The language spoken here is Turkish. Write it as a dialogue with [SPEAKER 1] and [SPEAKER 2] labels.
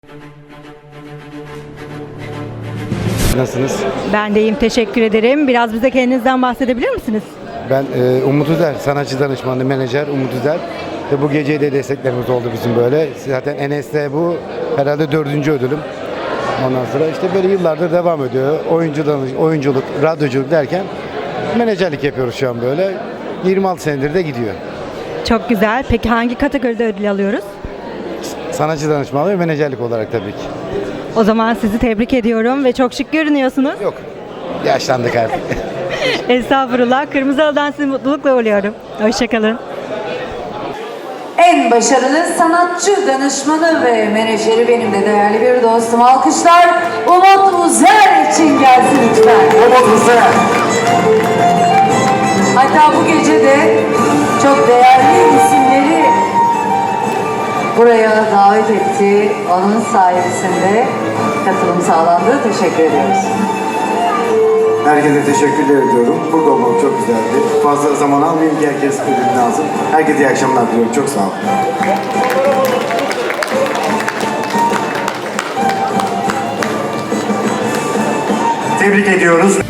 [SPEAKER 1] Nasılsınız?
[SPEAKER 2] Ben de iyiyim, teşekkür ederim. Biraz bize kendinizden bahsedebilir misiniz?
[SPEAKER 1] Ben Umut Üzer, sanatçı danışmanı, menajer Umut Üzer. Ve bu geceyi de desteklerimiz oldu bizim böyle. Zaten Enes'te bu herhalde 4. ödülüm. Ondan sonra işte böyle yıllardır devam ediyor. Oyunculuk, radyoculuk derken menajerlik yapıyoruz şu an böyle. 26 senedir de gidiyor.
[SPEAKER 2] Çok güzel. Peki hangi kategoride ödül alıyoruz?
[SPEAKER 1] Sanatçı danışmanlığı ve menajerlik olarak tabii ki.
[SPEAKER 2] O zaman sizi tebrik ediyorum ve çok şık görünüyorsunuz.
[SPEAKER 1] Yok, yaşlandık artık.
[SPEAKER 2] Estağfurullah. Kırmızı Halı'dan sizi mutlulukla uğurluyorum. Hoşçakalın.
[SPEAKER 3] En başarılı sanatçı danışmanı ve menajeri benim de değerli bir dostum. Alkışlar Umut Uzer için gelsin lütfen.
[SPEAKER 1] Umut Üzer.
[SPEAKER 3] Hatta bu gece de çok değerli isimleri buraya davet etti. Onun sayesinde katılım sağlandı. Teşekkür ediyoruz.
[SPEAKER 4] Herkese teşekkürler ediyorum. Burada olmak çok güzeldi. Fazla zaman almayayım ki herkes ödülünü alsın. Herkese iyi akşamlar diliyorum. Çok sağ olun.
[SPEAKER 5] Tebrik ediyoruz.